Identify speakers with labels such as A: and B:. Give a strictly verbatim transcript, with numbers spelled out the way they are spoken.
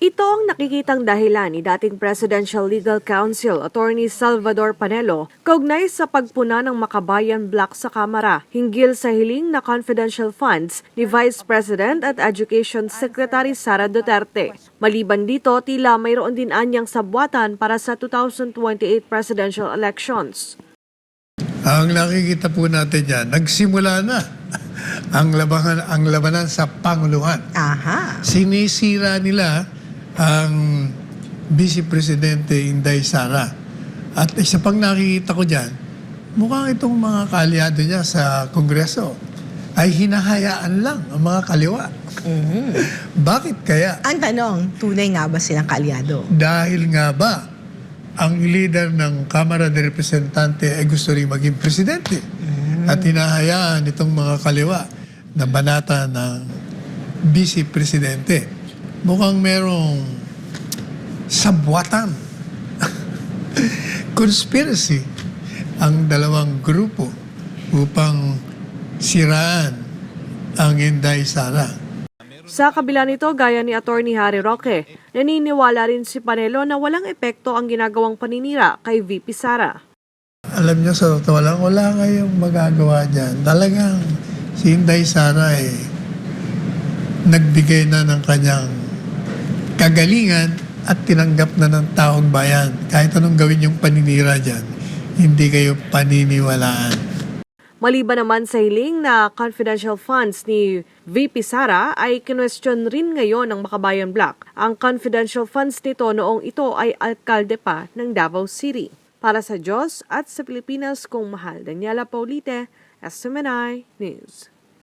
A: Ito ang nakikitang dahilan ni dating Presidential Legal Counsel Attorney Salvador Panelo kaugnay sa pagpuna ng Makabayan Block sa Kamara hinggil sa hiling na confidential funds ni Vice President at Education Secretary Sara Duterte. Maliban dito, tila mayroon din anyang sabwatan para sa two thousand twenty-eight presidential elections.
B: Ang nakikita po natin yan, nagsimula na ang labanan, ang labanan sa Panguluhan.
C: Aha.
B: Sinisira nila ang Vice Presidente Inday Sara. At isa pang nakikita ko dyan, mukhang itong mga kaalyado niya sa Kongreso ay hinahayaan lang ang mga kaliwa.
C: Mm-hmm.
B: Bakit kaya?
C: Ang tanong, tunay nga ba silang kaalyado?
B: Dahil nga ba ang leader ng Kamara de Representante ay gusto rin maging presidente? Mm-hmm. At hinahayaan itong mga kaliwa na banata ng Vice Presidente. Mukhang merong sabwatan, conspiracy ang dalawang grupo upang siraan ang Inday Sara.
A: Sa kabila nito, gaya ni Attorney Harry Roque, naniniwala rin si Panelo na walang epekto ang ginagawang paninira kay V P Sara.
B: Alam niyo, sa totoo lang, wala kayong magagawa dyan. Talagang si Inday Sara eh, nagbigay na ng kanyang kagalingan at tinanggap na ng taong bayan. Kahit anong gawin yung paninira dyan, hindi kayo paniniwalaan.
A: Maliban naman sa hiling na confidential funds ni V P Sara ay kinwestiyon rin ngayon ng Makabayan Block ang confidential funds nito noong ito ay alkalde pa ng Davao City. Para sa Diyos at sa Pilipinas kung mahal, Daniela Paulite, S M N I News.